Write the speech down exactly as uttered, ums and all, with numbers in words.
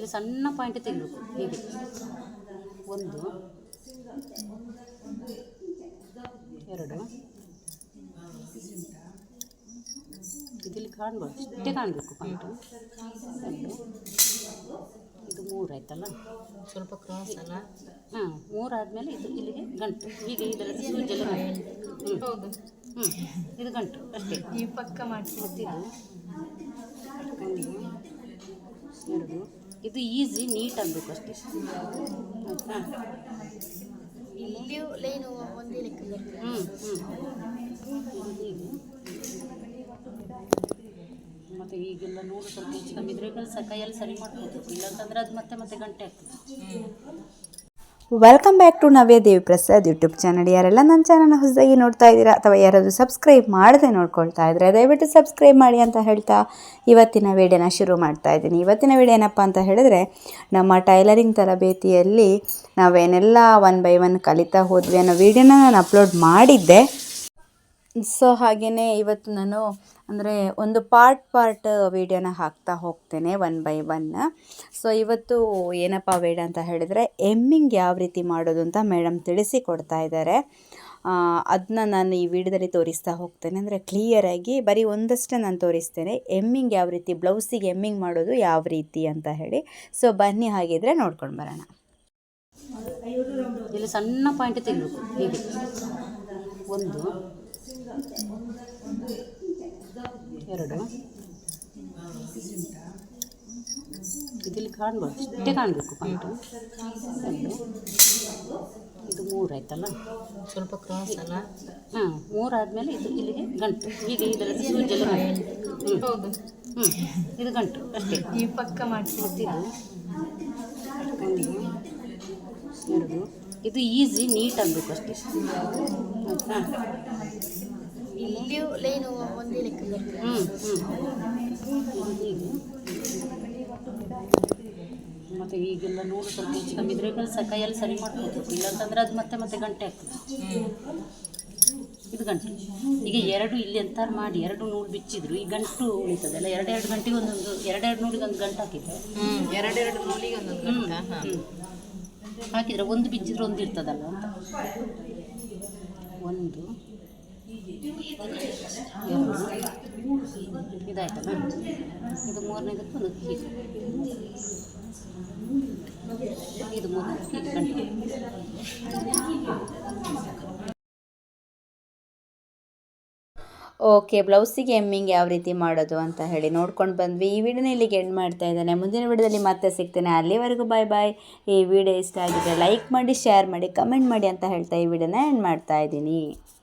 ಇಲ್ಲಿ ಸಣ್ಣ ಪಾಯಿಂಟ್ ತೆಗಿಬೇಕು. ಹೀಗೆ ಒಂದು ಎರಡು ಇದಿಲ್ಲಿ ಕಾಣ್ಬೋದು, ಇಷ್ಟೇ ಕಾಣಬೇಕು ಪಾಯಿಂಟು. ಎರಡು ಇದು ಮೂರು ಆಯ್ತಲ್ಲ, ಸ್ವಲ್ಪ ಕ್ರಾಸ್ ಅಲ್ಲ. ಹಾಂ, ಮೂರು ಆದಮೇಲೆ ಇದು ಇಲ್ಲಿಗೆ ಗಂಟು. ಹೀಗೆ ಇದರಲ್ಲಿ ಸೂಜೆಲ್ಲ ಗಂಟು. ಹ್ಞೂ ಹೌದು. ಹ್ಞೂ ಇದು ಗಂಟು ಅಷ್ಟೇ. ಈ ಪಕ್ಕ ಮಾಡ್ತಿದ್ದು ಒಂದು ಎರಡು ಇದು ಈಸಿ, ನೀಟ್ ಆಗಬೇಕು ಅಷ್ಟೇ. ಆಯಿತಾ? ಇಲ್ಲಿಯೂ ಲೈನು ಒಂದೇ ಲೆಕ್ಕ. ಹ್ಞೂ ಹ್ಞೂ ಇದು ಹೀಗೆ. ಮತ್ತು ಈಗೆಲ್ಲ ನೂರು ಸ್ವಲ್ಪ ಹೆಚ್ಚು ಕಮ್ಮಿ ಇದ್ರೆ ಸ ಕೈಯಲ್ಲಿ ಸರಿ ಮಾಡ್ಬೋದು, ಇಲ್ಲಾಂತಂದರೆ ಅದು ಮತ್ತೆ ಮತ್ತೆ ಗಂಟೆ ಆಗ್ತದೆ. Welcome back to Navya Devi Prasad YouTube channel. ಯಾರೆಲ್ಲ ನನ್ನ ಚಾನಲ್ನ ಹೊಸದಾಗಿ ನೋಡ್ತಾ ಇದ್ದೀರಾ ಅಥವಾ ಯಾರಾದರೂ ಸಬ್ಸ್ಕ್ರೈಬ್ ಮಾಡದೆ ನೋಡ್ಕೊಳ್ತಾ ಇದ್ದರೆ ದಯವಿಟ್ಟು ಸಬ್ಸ್ಕ್ರೈಬ್ ಮಾಡಿ ಅಂತ ಹೇಳ್ತಾ ಇವತ್ತಿನ ವಿಡಿಯೋನ ಶುರು ಮಾಡ್ತಾ ಇದ್ದೀನಿ. ಇವತ್ತಿನ ವಿಡಿಯೋ ಏನಪ್ಪ ಅಂತ ಹೇಳಿದ್ರೆ, ನಮ್ಮ ಟೈಲರಿಂಗ್ ತರಬೇತಿಯಲ್ಲಿ ನಾವೇನೆಲ್ಲ ಒನ್ ಬೈ ಒನ್ ಕಲಿತಾ ಹೋದ್ವಿ ಅನ್ನೋ ವಿಡಿಯೋನ ನಾನು ಅಪ್ಲೋಡ್ ಮಾಡಿದ್ದೆ. ಸೊ ಹಾಗೆಯೇ ಇವತ್ತು ನಾನು ಅಂದರೆ ಒಂದು ಪಾರ್ಟ್ ಪಾರ್ಟ್ ವೀಡಿಯೋನ ಹಾಕ್ತಾ ಹೋಗ್ತೇನೆ ಒನ್ ಬೈ ಒನ್. ಸೊ ಇವತ್ತು ಏನಪ್ಪ ವಿಡಿಯೋ ಅಂತ ಹೇಳಿದರೆ, ಎಮ್ಮಿಂಗ್ ಯಾವ ರೀತಿ ಮಾಡೋದು ಅಂತ ಮೇಡಮ್ ತಿಳಿಸಿ ಕೊಡ್ತಾ ಇದ್ದಾರೆ. ಅದನ್ನ ನಾನು ಈ ವಿಡಿಯೋದಲ್ಲಿ ತೋರಿಸ್ತಾ ಹೋಗ್ತೇನೆ. ಅಂದರೆ ಕ್ಲಿಯರಾಗಿ ಬರೀ ಒಂದಷ್ಟೇ ನಾನು ತೋರಿಸ್ತೇನೆ, ಎಮ್ಮಿಂಗ್ ಯಾವ ರೀತಿ, ಬ್ಲೌಸಿಗೆ ಎಮ್ಮಿಂಗ್ ಮಾಡೋದು ಯಾವ ರೀತಿ ಅಂತ ಹೇಳಿ. ಸೊ ಬನ್ನಿ ಹಾಗಿದ್ರೆ ನೋಡ್ಕೊಂಡು ಬರೋಣ. ಇಲ್ಲಿ ಸಣ್ಣ ಪಾಯಿಂಟ್ ತೆಗಿಬೇಕು. ಹೀಗೆ ಒಂದು ಎರಡು ಇದಿಲ್ಲಿ ಕಾಣ್ಬೋದು, ಇಷ್ಟೇ ಕಾಣಬೇಕು ಪಾಯಿಂಟು. ಎರಡು ಇದು ಮೂರು ಆಯ್ತಲ್ಲ, ಸ್ವಲ್ಪ ಕ್ರಾಸ್ ಅಲ್ಲ. ಹಾಂ, ಮೂರು ಆದಮೇಲೆ ಇದು ಇಲ್ಲಿಗೆ ಗಂಟು. ಹೀಗೆ ಇದರಲ್ಲಿ ಸೂಜೆಲ್ಲ ಗಂಟು. ಹ್ಞೂ ಹೌದು. ಹ್ಞೂ ಇದು ಗಂಟು ಅಷ್ಟೇ. ಈ ಪಕ್ಕ ಮಾಡ್ತಿದ್ದು ಒಂದು ಎರಡು ಇದು ಈಸಿ, ನೀಟ್ ಆಗಬೇಕು ಅಷ್ಟೇ. ಆಯಿತಾ? ಇಲ್ಲಿಯೂ ಲೈನು ಒಂದೇ ಲೆಕ್ಕ. ಹ್ಞೂ ಹ್ಞೂ ಇದು ಹೀಗೆ. ಮತ್ತು ಈಗೆಲ್ಲ ನೂರು ಸ್ವಲ್ಪ ಹೆಚ್ಚು ಕಮ್ಮಿ ಇದ್ರೆ ಸ ಕೈಯಲ್ಲಿ ಸರಿ ಮಾಡ್ಬೋದು, ಇಲ್ಲಾಂತಂದರೆ ಅದು ಮತ್ತೆ ಮತ್ತೆ ಗಂಟೆ ಆಗ್ತದೆ. ಇದು ಗಂಟು. ಈಗ ಎರಡು ಇಲ್ಲಿ ಎಂತಾರು ಮಾಡಿ ಎರಡು ನೂಲು ಬಿಚ್ಚಿದ್ರು ಈ ಗಂಟು ಉಳಿತದಲ್ಲ, ಎರಡೆರಡು ಗಂಟೆಗೆ ಒಂದೊಂದು, ಎರಡೆರಡು ನೂಲಿಗೆ ಒಂದು ಗಂಟು ಹಾಕಿದ್ರೆ ಎರಡೆರಡು ನೂಲಿಗೆ ಒಂದೊಂದು ಗಂಟ. ಹ್ಞೂ ಹಾಕಿದರೆ ಒಂದು ಬಿಚ್ಚಿದ್ರೆ ಒಂದು ಇರ್ತದಲ್ಲ ಅಂತ. ಒಂದು ಎರಡು ಇದಾಯ್ತಲ್ಲ, ಇದು ಮೂರನೇದಕ್ಕೆ ಒಂದು ಹೀಗೆ, ಇದು ಮೂರು ಹೀಗೆ ಗಂಟು. ಓಕೆ, ಬ್ಲೌಸಿಗೆ ಎಮ್ಮಿಂಗ್ ಯಾವ ರೀತಿ ಮಾಡೋದು ಅಂತ ಹೇಳಿ ನೋಡ್ಕೊಂಡು ಬಂದ್ವಿ. ಈ ವಿಡಿಯೋನ ಇಲ್ಲಿಗೆ ಎಂಡ್ ಮಾಡ್ತಾ ಇದ್ದೇನೆ. ಮುಂದಿನ ವಿಡಿಯೋದಲ್ಲಿ ಮತ್ತೆ ಸಿಗ್ತೇನೆ. ಅಲ್ಲಿವರೆಗೂ ಬಾಯ್ ಬಾಯ್. ಈ ವಿಡಿಯೋ ಇಷ್ಟ ಆಗಿದ್ರೆ ಲೈಕ್ ಮಾಡಿ, ಶೇರ್ ಮಾಡಿ, ಕಮೆಂಟ್ ಮಾಡಿ ಅಂತ ಹೇಳ್ತಾ ಈ ವಿಡಿಯೋನ ಎಂಡ್ ಮಾಡ್ತಾ ಇದ್ದೀನಿ.